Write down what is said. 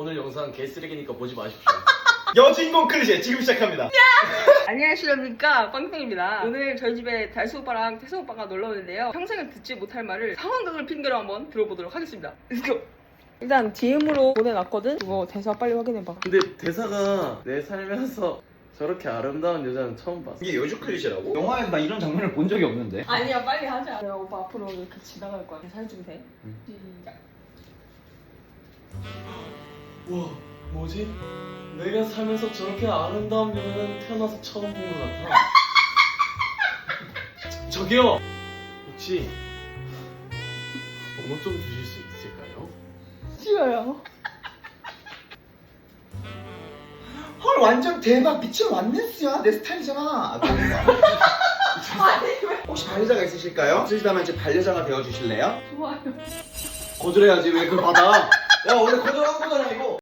오늘 영상 개쓰레기니까 보지 마십시오. 여주인공 클리셰 지금 시작합니다. 안녕하십니까, 빵땡입니다. 오늘 저희 집에 달수 오빠랑 태수 오빠가 놀러 오는데요. 평생을 듣지 못할 말을 상황극을 핑계로 한번 들어보도록 하겠습니다. 렛츠고! 일단 DM으로 보내놨거든? 그거 대사 빨리 확인해봐. 근데 대사가 내 살면서 저렇게 아름다운 여자는 처음 봤어. 이게 여주 클리셰라고? 영화에서 나 이런 장면을 본 적이 없는데. 아니야, 빨리 하자. 내가 오빠 앞으로 이렇게 지나갈 거야. 대사 해주면 돼. 시작. 우와, 뭐지? 내가 살면서 저렇게 아름다운 여자는 태어나서 처음 본 것 같아. 저기요! 혹시 번호 좀 주실 수 있을까요? 싫어요. 헐 완전 대박 미친 완네스야. 내 스타일이잖아. 혹시 반려자가 있으실까요? 있으시다면 이제 반려자가 되어주실래요? 좋아요. 거절해야지 왜 그걸 받아. 야 원래 거절하는 거잖아 이거.